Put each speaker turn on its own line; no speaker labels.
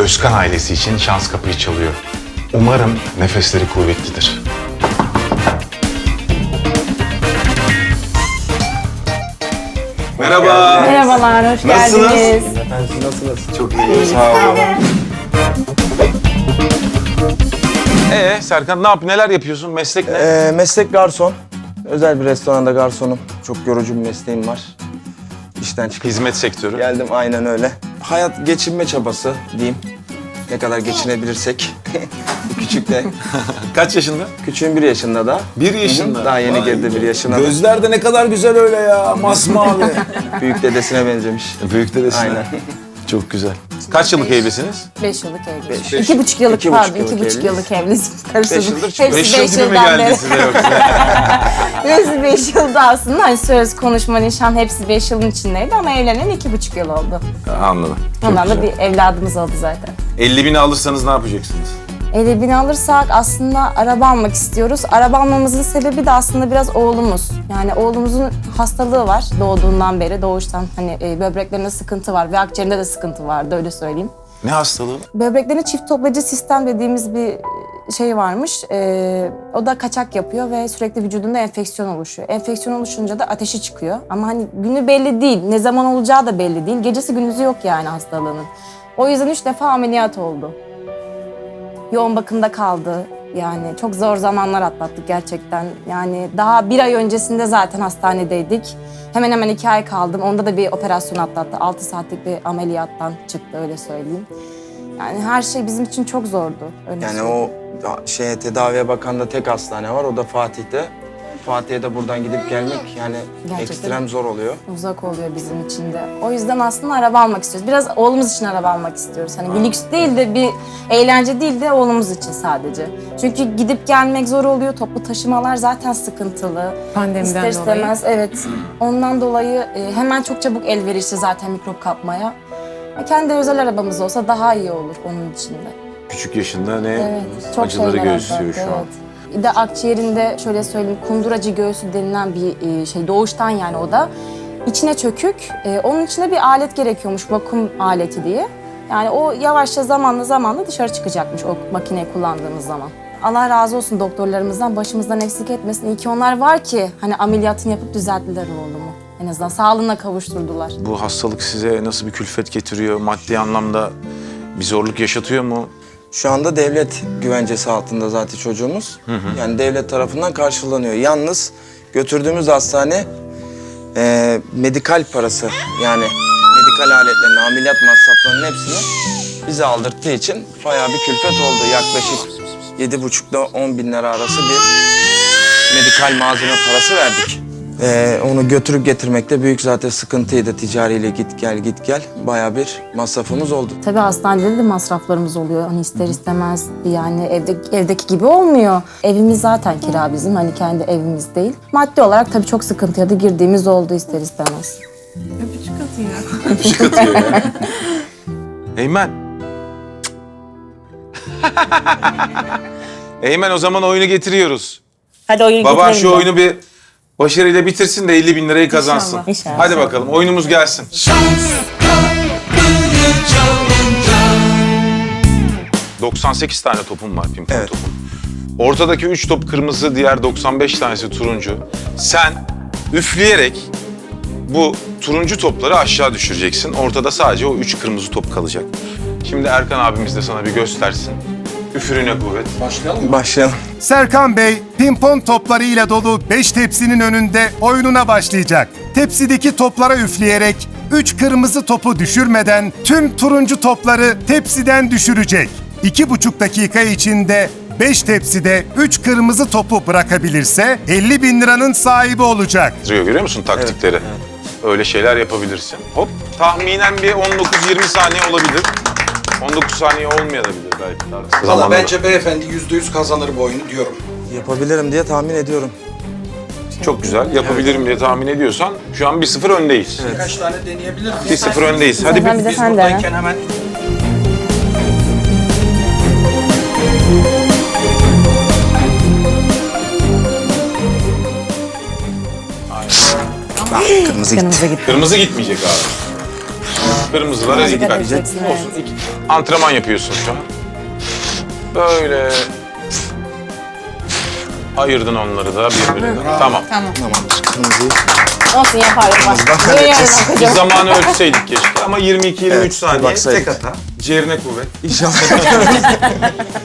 Özkan ailesi için şans kapıyı çalıyor. Umarım nefesleri kuvvetlidir. Merhaba.
Merhabalar, hoş
Nasılsınız?
geldiniz.
Efendim siz nasılsınız?
Çok iyi, sağ olun. Serkan neler yapıyorsun? Meslek ne?
Meslek garson. Özel bir restoranda garsonum. Çok yorucu bir mesleğim var. İşten çıkıp
Hizmet sektörü.
geldim, aynen öyle. Hayat geçinme çabası diyeyim. Ne kadar geçinebilirsek. Küçük de.
Kaç yaşında?
Küçüğün 1 yaşında da.
1 yaşında.
Daha yeni girdi 1 yaşına da.
Gözler de ne kadar güzel öyle ya, masmavi.
Büyük dedesine benzemiş.
Büyük dedesine.
Aynen.
Çok güzel. Kaç yıllık evlisiniz?
5 yıllık evliyiz.
Beş.
2,5 yıllık,
2,5
pardon,
yıllık
2,5 yıllık evliyiz.
5
Karıştırdım.
yıldır çıkıyor.
Hepsi 5
gibi mi
yıldan
geldi
beri.
size yoksa?
Hepsi 5 yılda aslında. Hani söz, konuşma, nişan hepsi 5 yılın içindeydi ama evlenen 2,5 yıl oldu.
Anladım. Çok
Ondan da
güzel.
bir evladımız oldu zaten.
50.000'i alırsanız ne yapacaksınız?
50.000 alırsak aslında araba almak istiyoruz. Araba almamızın sebebi de aslında biraz oğlumuz. Yani oğlumuzun hastalığı var doğduğundan beri. Doğuştan hani böbreklerinde sıkıntı var ve akciğerinde de sıkıntı vardı, öyle söyleyeyim.
Ne hastalığı?
Böbreklerinde çift toplayıcı sistem dediğimiz bir şey varmış. O da kaçak yapıyor ve sürekli vücudunda enfeksiyon oluşuyor. Enfeksiyon oluşunca da ateşi çıkıyor. Ama hani günü belli değil, ne zaman olacağı da belli değil. Gecesi gündüzü yok yani hastalığının. O yüzden 3 defa ameliyat oldu. Yoğun bakımda kaldı. Yani çok zor zamanlar atlattık gerçekten. Yani daha 1 ay öncesinde zaten hastanedeydik. Hemen hemen 2 ay kaldım. Onda da bir operasyon atlattı. 6 saatlik bir ameliyattan çıktı, öyle söyleyeyim. Yani her şey bizim için çok zordu. Öyle
Yani
söyleyeyim.
o tedaviye bakan da tek hastane var. O da Fatih'te. Fatih'e de buradan gidip gelmek yani
Gerçekten.
ekstrem zor oluyor.
Uzak oluyor bizim için de. O yüzden aslında araba almak istiyoruz. Biraz oğlumuz için araba almak istiyoruz. Hani bir lüks değil de bir eğlence değil de oğlumuz için sadece. Çünkü gidip gelmek zor oluyor. Toplu taşımalar zaten sıkıntılı.
Pandemiden
İster
dolayı.
istemez, evet. Ondan dolayı hemen çok çabuk elverişli zaten mikrop kapmaya. Kendi özel arabamız olsa daha iyi olur onun için de.
Küçük yaşında ne
Evet, çok
acıları
şeyler
göğüslüyor
atlattı,
şu an.
evet. Bir de akciğerinde şöyle söyleyeyim, kunduracı göğsü denilen bir şey, doğuştan yani o da. İçine çökük, onun içine bir alet gerekiyormuş, vakum aleti diye. Yani o yavaşça zamanla dışarı çıkacakmış o makineyi kullandığımız zaman. Allah razı olsun doktorlarımızdan, başımızdan eksik etmesin. İyi ki onlar var ki hani ameliyatını yapıp düzelttiler oğlumu. En azından sağlığına kavuşturdular.
Bu hastalık size nasıl bir külfet getiriyor? Maddi anlamda bir zorluk yaşatıyor mu?
Şu anda devlet güvencesi altında zaten çocuğumuz. Yani devlet tarafından karşılanıyor. Yalnız götürdüğümüz hastane medikal parası yani medikal aletlerini, ameliyat masraflarının hepsini bize aldırttığı için bayağı bir külfet oldu. Yaklaşık 7,5 ile 10 bin lira arası bir medikal malzeme parası verdik. Onu götürüp getirmekte büyük zaten sıkıntıydı. Ticariyle git gel bayağı bir masrafımız oldu.
Tabii hastanede de masraflarımız oluyor. Hani ister istemez yani evdeki gibi olmuyor. Evimiz zaten kira bizim. Hani kendi evimiz değil. Maddi olarak tabii çok sıkıntıya da girdiğimiz oldu ister istemez.
Öpücük atıyor.
Eymen. Eymen, o zaman oyunu getiriyoruz.
Hadi oyunu
Baban
getirelim
şu
de.
oyunu bir başarıyla bitirsin de 50.000 lirayı kazansın.
İnşallah.
Hadi bakalım, oyunumuz gelsin. 98 tane topum var, pimpon
Evet.
topum. Ortadaki 3 top kırmızı, diğer 95 tanesi turuncu. Sen üfleyerek bu turuncu topları aşağı düşüreceksin. Ortada sadece o 3 kırmızı top kalacak. Şimdi Erkan abimiz de sana bir göstersin. Üfürüne kuvvet.
Başlayalım.
Serkan Bey, pimpon toplarıyla dolu 5 tepsinin önünde oyununa başlayacak. Tepsideki toplara üfleyerek 3 kırmızı topu düşürmeden tüm turuncu topları tepsiden düşürecek. 2,5 dakika içinde 5 tepside 3 kırmızı topu bırakabilirse 50.000 liranın sahibi olacak.
Görüyor musun taktikleri? Öyle şeyler yapabilirsin. Hop, tahminen bir 19-20 saniye olabilir. 19 saniye olmayabilir belki.
Valla
Zamanla-
bence beyefendi %100 kazanır bu oyunu diyorum.
Yapabilirim diye tahmin ediyorum.
Çok güzel. Yapabilirim diye tahmin ediyorsan şu an 1-0 öndeyiz.
Birkaç tane deneyebilir miyiz?
1-0 öndeyiz. Hadi
Zaten bize
Biz
sen de.
buradayken hemen
Kırmızı gitti.
Yanımıza gitti.
Kırmızı gitmeyecek abi. Kırmızılara
Dikkat
dikkat.
edeceksin, evet.
Olsun. Antrenman yapıyorsun şu an. Böyle ayırdın onları da birbirinden. Tamam.
Tamam.
Tamamdır. Kırmızıyı.
Olsun yaparım bak.
Zaten
Böyle
edeceğiz.
yarın
Bir
okuyacağım.
zamanı ölçseydik keşke ama 22-23
Evet, bir
saniye
baksaydık.
tek hata. Ciğerine kuvvet.
İnşallah.